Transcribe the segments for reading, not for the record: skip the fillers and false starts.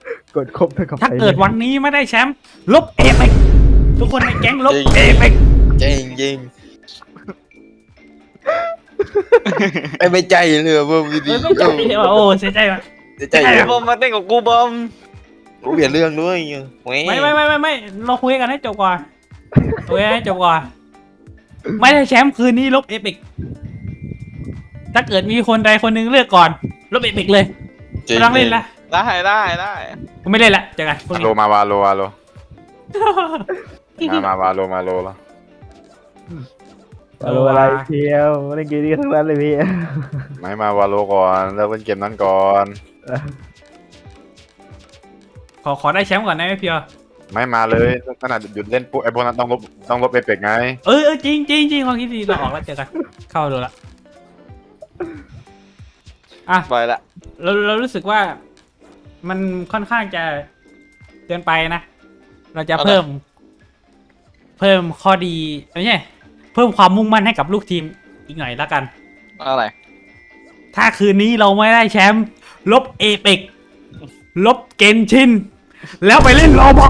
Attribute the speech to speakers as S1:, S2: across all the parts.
S1: กดครบเท่ากับ
S2: ถ้าเกิดวันนี้ไม่ได้แชมป์ลบเอฟกทุกคนในแก๊งลบเอฟก
S3: จริงจริงไม่ใจเลยว่าดี
S2: ไม่ใจว่ะโอ้เสียใจว่ะ
S3: ใจ
S2: ไม่
S3: เลย
S4: บอมมาเต้นกับกูบอม
S3: กูเปลี่ยนเรื่องด้วยแห
S2: ไม่เราคุยกันให้จบก่อนคุยกันให้จบก่อนไม่ได้แชมป์คืนนี้ลบเอฟกถ้าเกิดมีคนใดคนหนึงเลือกก่อนลบเอฟกเลยไม่ต้องเล่นละ
S4: ได้
S2: ผมไม่เล่นละเจอกันพวก
S5: วา
S2: นี้
S5: โลมาวาโลมาวาโลมาโลแล้ว
S1: เอาอะไรเที่ยวเล่นเกมนี้ทั้งนั้นเลยพี่
S5: ไม่มาวาโลก่อนเลิกเล่นเกมนั้นก่อน
S2: ขอได้แชมป์ก่อนนะไม่เพียว
S5: ไม่มาเลยขนาดหยุดเล่นปุ๊บไอ้พวกนั้นต้องลบเอฟเฟกไง
S2: จริงความคิดดีเราออกแล้วเจอกันเข้าดูละอ่ะ
S4: ไปละ
S2: เรารู้สึกว่ามันค่อนข้างจะเกินไปนะ เราจะเพิ่มข้อดีไม่ใช่เพิ่มความมุ่งมั่นให้กับลูกทีมอีกหน่อยละกัน
S4: อะไร
S2: ถ้าคืนนี้เราไม่ได้แชมป์ลบเอเปกลบเกนชิน แล้วไปเล่นโรบอก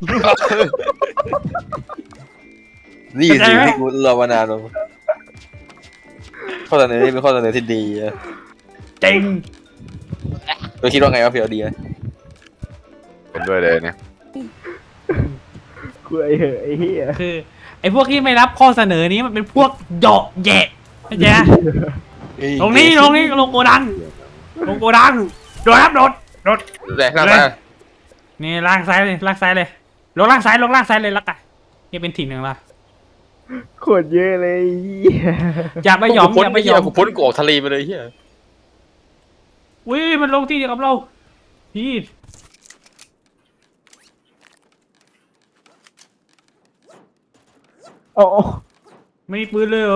S3: นี่สิที่กูรอมานานแล้วข้อเสนอนี่เป็นข้อเสนอที่ดี
S2: จริง
S3: เราคิดว่าไงว่าเพียวดีไหม
S5: เป็นด้วยเลยเนี่ย
S1: กูไอ้เหอะไอ้เหี้ย
S2: คือไอ้พวกที่ไม่รับข้อเสนอนี้มันเป็นพวกเหยาะแยะเข้าใจไหมลงโกดังโดดครับโดด
S3: แรงหน้าตา
S2: นี่ล่างซ้ายเลยลงล่างซ้ายเลยละกันนี่เป็นถิ่นหนึ่งละ
S1: โคตรเยอะเลยไอ้เหี้ย
S2: อย่าไปหยอมอย่าไปหยอม
S3: กูพ้นกูออกทะเลไปเลยเฮีย
S2: อุ้ยมันลงที่เดียวกับเราพี่
S1: โอ้
S2: ไม่มีปืนเลย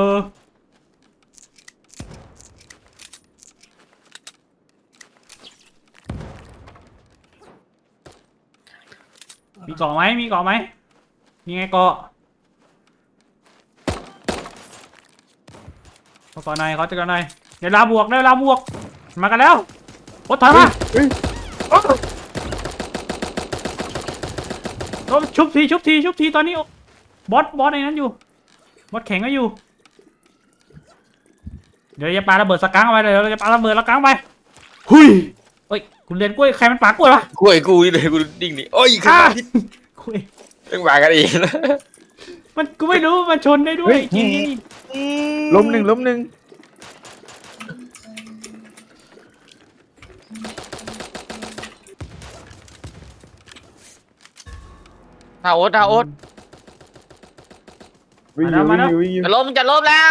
S2: มีเกาะไหมมีไงเกาะเขาเกาะหน่อยเขาจะเกาะหน่อยเดี๋ยวลาบวกมากันแล้วโอ้ถอยมาโอ้ชุบทีตอนนี้บอสในนั้นอยู่บอสแข็งก็อยู่เดี๋ยวจะปาระเบิดสกังเอาไปเลยเราจะปาระเบิดสกังไปหุยเฮ้ยคุณเรียนกล้วยใครมันปากล้วยวะ
S3: กูไอ้กูนี่เลยกูดิ่งนี่โอ้ยขึ้นมาพิษ
S2: กล้วย
S3: ต้องมากันอีกแล้ว
S2: มันกูไม่รู้มันชนได้ด้วยจริง
S1: ล้มหนึ่ง
S4: ท่าโอ๊ต
S1: วิ่งอยู่
S4: จะล้มแล้ว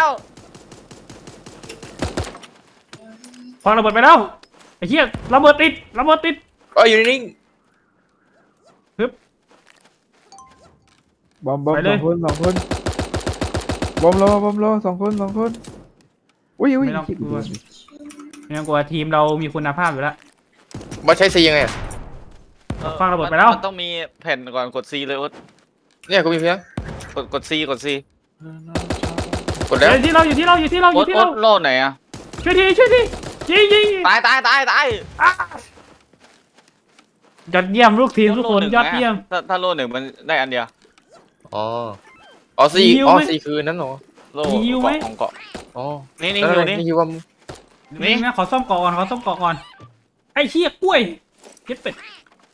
S2: พอระเบิดไปแล้วไอ้เหี้ยระเบิดติด
S3: โอ้ยอยู่นิ่ง
S1: บอมสองคนบอมรอสองคนอุ้ย
S2: ไม่ต้องกลัวทีมเรามีคุณภาพอยู่แล้ว
S3: มาใช้ซียังไง
S2: ฟังระเบิดไปแล้ว
S4: มันต้องมีแผ่นก่อนกด C เลยโอ๊ต
S3: เนี่ยกูมีเพียง
S4: กด C
S3: กดแล้ว
S2: อยู่ที่เรา
S4: โอ๊ตโลดไหนอะ
S2: ช่วยทียิง
S4: ตาย
S2: ยอดเยี่ยมลูกทีมทุกคนยอดเยี่ยม
S4: ถ้าโลดหนึ่งมันได้อันเดียว
S3: อ๋อซีคือนั้นเหรอ
S4: โลของเกาะ
S3: อ๋อ
S4: นี่อยู่นี่
S3: นี่คือว่า
S2: นี่นะขอซ่อมเกาะก่อนไอ้เหี้ยกล้วยเก็บเป็ด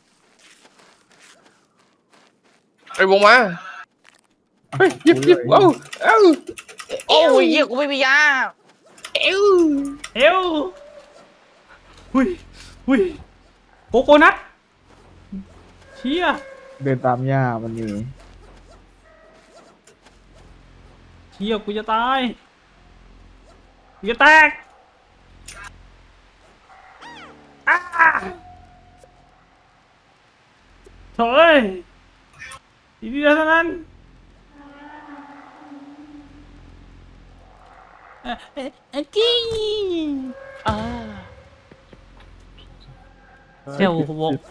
S3: ไอ้วงมาเฮ้ยยิบเอ้า
S4: โอ้ยเหี้ยกูไม่มียา
S2: เอวหุยโกโก้นัทเชี่ย
S1: เดินตามย่ามันนี่
S2: เชี่ยกูจะตายกูจะแตกโถ่เอ้ยอีกเดียวเท่านั้นจี้เซลวง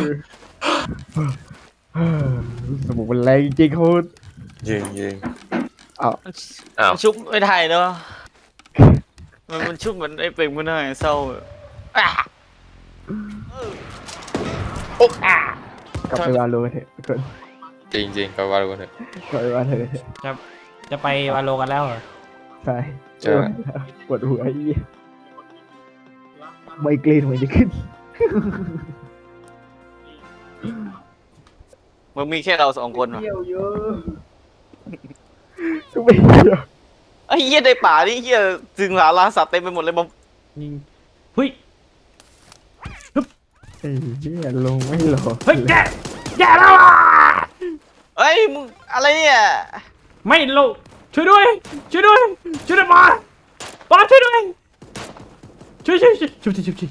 S1: สมองมันแรงจริงโคตร
S3: ยิง
S4: มันชุบไม่ได้เนาะมันชุบเหมือนไอ้เป็งมันหน่อยเศร้า
S3: โอ้
S1: กลับไปวาโลกันเถอะทุกคน
S3: จริงๆก็ว่ารู้กันเถอะ
S1: กลับไปวาโลกันเถอะ
S2: จะไปวาโลกันแล้วเหรอ
S1: ใช่
S3: ใช่
S1: ปวดหัวไอ้เหี้ยไมเกรนมันจะขึ้น
S4: มึงมีแค่เรา2 คนวะ
S1: เที่ยวเยอะก็ไม่เที่ยว
S4: ไอ้เหี้ยในป่านี่เหี้ยจึงหาราสัตว์เต็มไปหมดเลยบอม
S2: ยิงเฮ้ย
S1: ไอ้เหี้ยลงไม่รอ
S2: เฮ้ยแย่แล้วอ่ะ
S4: เอ้ยมึงอะไรเนี่ย
S2: ไม่ลงช่วยด้วยช่วยด้วยช่วยด้วยบอสช่วยด้วยช่วยชุบ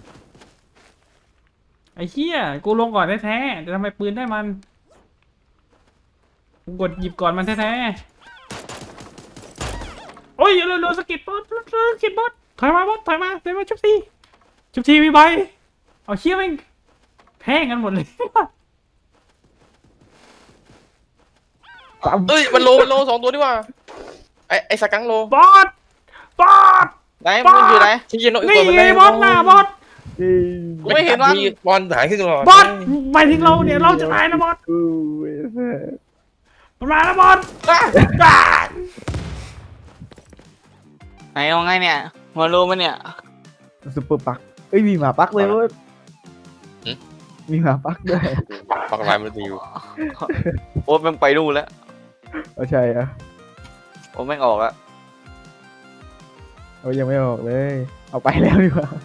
S2: ไอ้เหี้ยกูลงก่อนแท้ๆแต่ทำไมปืนได้มันกูกดหยิบก่อนมันแท้ๆโอ้ยเร็วๆสกิดบอสสกิดบอสถอยมาบอสถอยมาชุบทีมีใบเอาเชี่ยแม่งแพ้งกันหมดเลย
S1: ปั๊ม
S3: เอ้ยมันโล2 ตัวดีกว่าไอ้สกังโล
S2: บอส
S4: ไหนมึงอยู่ไหน
S3: ที่ยินโนอีก
S2: นี่
S3: ตัวมัน
S2: ไงบอสหน้าบอส
S4: กูไม่เห็นมัน
S3: บอลหายขึ้นตลอด
S2: บอสหมายถึงเราเนี่ยเราจะตายนะบอส
S1: กูไอ้แม่
S2: มันมาแล้วบอส
S4: ไหนเอาไงเนี่ยมารู้มั้ยเนี่ย
S1: ซุปเปอร์ปักเอ้ยมีหมาปักเลยเว้ยมีหมาปักด้วย
S3: ปักลายมันดีอยู่
S4: โอ๊ตแม่งไปนู่นแล้ว
S1: เอาใช่อะ
S4: โอ๊ตแม่งออกแล้ว
S1: เอายังไม่ออกเลย เอาไปแล้วดีกว่า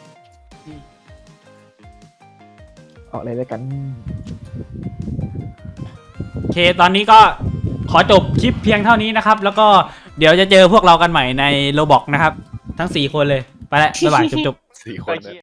S1: ออกเลยแล้วกัน
S2: โอเคตอนนี้ก็ขอจบคลิปเพียงเท่านี้นะครับ แล้วก็เดี๋ยวจะเจอพวกเรากันใหม่ในโรบอกนะครับ ทั้ง4 คนเลยไปแล้วบ๊ายบายจบ
S5: 4 คนเนี่ย